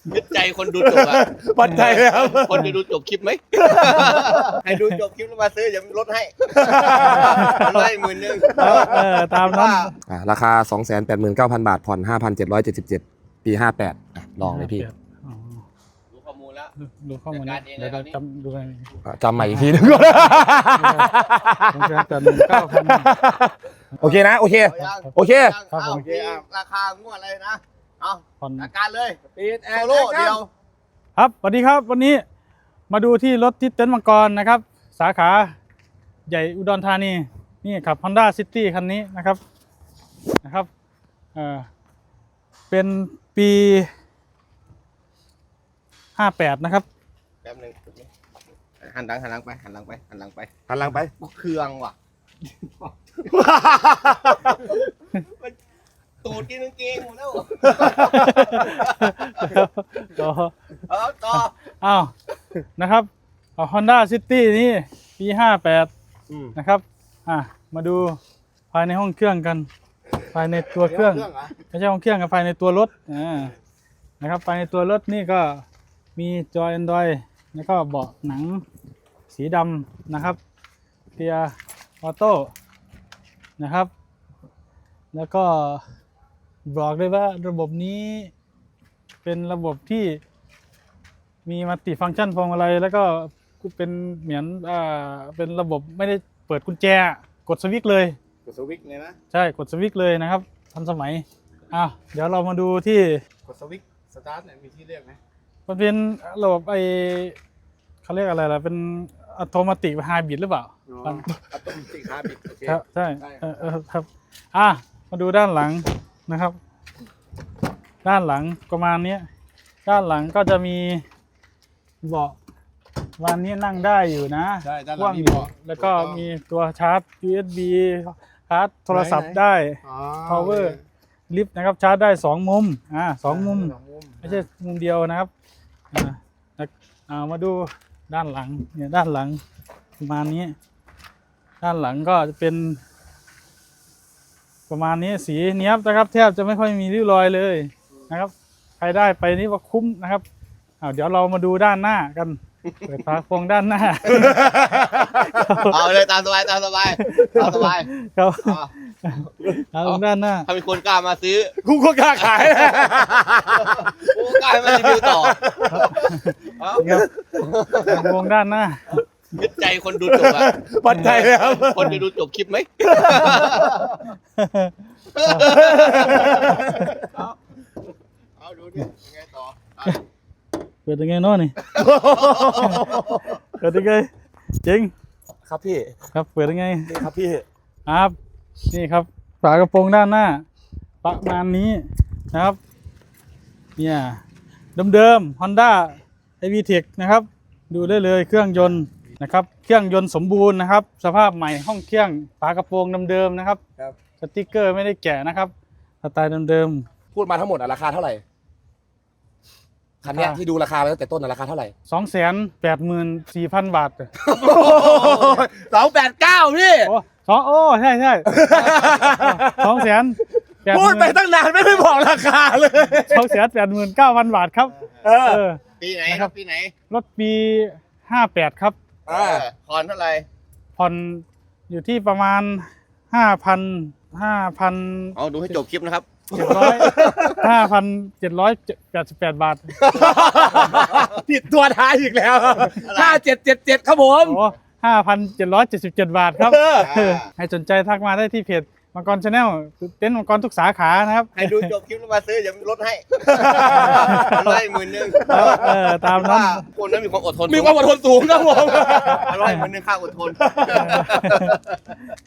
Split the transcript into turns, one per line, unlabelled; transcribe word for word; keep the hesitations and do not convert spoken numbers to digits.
ยึดใจคนดูจบอ่ะ
ปัจจัยแล้ว
คนจะดูจบคลิปไหมให้ดูจบคลิปแล้วมาซื้ออย่าลดให้ร้อยหมื่นหนึ่ง
เออตามนั้น
อ่ะราคา สองแสนแปดหมื่นเก้าพัน บาทผ่อน ห้าพันเจ็ดร้อยเจ็ดสิบเจ็ด ปีห้าแปดอ่ะลองเลยพี่
อ๋อ
รู้ข้อมูลแล้ว
ดูข้อมูล
จั
นะ
ดการเอง
เดี๋ยว
เลย
เรา
ครับ
จำดูกัน
อ่ะจำใหม่อีกทีนึง
สองแสนแปดหมื่นเก้าพัน
โอเคนะ โอเค
เอายัง
โอเค
ครับผม
เอามีราคางวดอะไรนะเอา
ผ่อน
จัดการเลย
ปิดแอ
โซ
ร์
โล่เดียว
ครับสวัสดีครับวันนี้มาดูที่รถที่เต็นท์มังกรนะครับ สาขาใหญ่อุดรธานีนี่ขับ Honda City คันนี้นะครับนะครับเออเป็นปีห้าแปดนะครับ
แป๊บหนึงหันหลังหันหลังไปหันหลังไปหันหลังไป
หันหลังไป
กูเครื่องว่ะตูดกินกางเกงหมดแล้ว
ต่อ
เอาต่อ
อ้าวนะครับเอา Honda City นี่ปีห้าแปด
อืม
นะครับอ่ะมาดูภายในห้องเครื่องกัน ภายในตัวเครื่อง ไม่ใช่ห้องเครื่องกับภายในตัวรถอ่านะครับภายในตัวรถนี่ก็มีจอ Android แล้วก็เบาะหนังสีดำนะครับเกียร์ออโต้นะครับ แล้วก็บอกเลยว่าระบบนี้เป็นระบบที่มีมัลติฟังก์ชันพวงมาลัยแล้วก็เป็นเหมือนอ่าเป็นระบบไม่ได้เปิดกุญแจกดสวิตช์เลย
กดสวิตช์เลยนะ
ใช่กดสวิตช์เลยนะครับทันสมัยอ่ะเดี๋ยวเรามาดูที่
กดสวิตช์สตาร์ทเนี่ยมีที่เลือกไหม
มันเป็นระบบไอเขาเรียกอะไรล่ะเป็นอัตโนมัติไฮบริดหรือเปล่า
อัตโนมัติฮาร์ดบิดโอเค
ครับใช่
ได้
เออเออครับอ่ะมาดูด้านหลังนะครับ ด้านหลังประมาณนี้ด้านหลังก็จะมีเบาะวันนี้นั่งได้อยู่นะ
ใช่ด้านห
ก
ลั
ว้าง ง
มี
อยู่
เบาะ
แล้วก็
ถูต้อง
มีตัวชาร์จ ยู เอส บี ชาร์จโทรศัพท์ได้
อ๋อ
power ลิฟต์นะครับชาร์จได้สองมุมอ่าสองมุม
สองมุม
ไม่ใช่มุมเดียวนะครับอ่าแล้วอ่ามาดูด้านหลังเนี่ยด้านหลังประมาณนี้ ด้านหลังก็จะเป็น ประมาณนี้สีเนี้ยบนะครับแทบจะไม่ค่อยมีริ้วรอยเลยนะครับใครได้ไปนี่ว่าคุ้มนะครับอ้าวเดี๋ยวเรามาดูด้านหน้ากันเปิดฝาโปรงด้านหน้า
เอาเลยตามสบายตามสบายตามสบาย
ครับ
อ่ะ
เอาตรงด้านหน้า
ถ้ามีคนกล้ามาซื้อ
กูก็กล้าขาย
กูกล้าให้มารีวิวต่อเอา
ครับโปรงด้านหน้า
ยึดใจคนดูจบอ่ะ
ปัจจัยแล้ว
คนจะดูจบคลิปไหมเอาเอาดูดิยังไงต่ออ่ะ
เปิดยังไงเนาะนี่ เปิดยังไงจริง
ครับพี่
ครับเปิดยังไง
นี่ครับพี่
ครับนี่ครับฝากระโปรงด้านหน้าประมาณนี้นะครับเนี่ยเดิมๆ Honda ไอ วี เทค นะครับดูได้เลยเครื่องยนต์นะครับเครื่องยนต์สมบูรณ์นะครับสภาพใหม่ห้องเครื่องฝากระโปรงเดิมๆนะครับ
ครับ
สติกเกอร์ไม่ได้แกะนะครับสไตล์เดิม
พูดมาทั้งหมดอะราคาเท่าไหร่ คันเนี้ย
ราคา
ที่ดูราคาไปตั้งแต่ต้นอะราคาเท่าไหร่
ๆ สองแสนแปดหมื่นสี่พัน บาท
สองแปดเก้าพี่
โอ้สองโอ้ใช่ใช่สองแสนแปดห
พูด
มื่น
ไปตั้งนานไม่ได้บอกราคาเลย
สองแสนแปดหมื่นเก้าพันบาทครับ
เออ
เออ
ปีไหน
นะ
ค
ครั
รับ บปีไหน
รถปีห้าแปดครับ
อ่า
เออผ่อนเท่าไหร่
ผ่อนอยู่ที่ประมาณห้าพันห้าพัน
เอาดูให้จบคลิปนะครับ
เจ็ดร้อยห้าพันเจ็ดร้อยแปดสิบแปดบาท
ผิดตัวท้ายอีกแล้วห้าเจ็ดเจ็ดเจ็ดครับผม
โอ้ห้าพันเจ็ดร้อยเจ็ดสิบเจ็ดบาทครับ
เออ
เออให้สนใจทักมาได้ที่เพจมังกรชาแนลเต็นท์มังกรทุกสาขานะครับ
ให้ดูจบคลิปแล้วมาซื้ออย่าลดให้ร้อยหมื่นหนึ่ง
เออตามนั้น
ว่าคนนั้นมีความอดทน
มีความอดทนสูงครับผม
ร้อยหมื่นหนึ่งค่าอดทน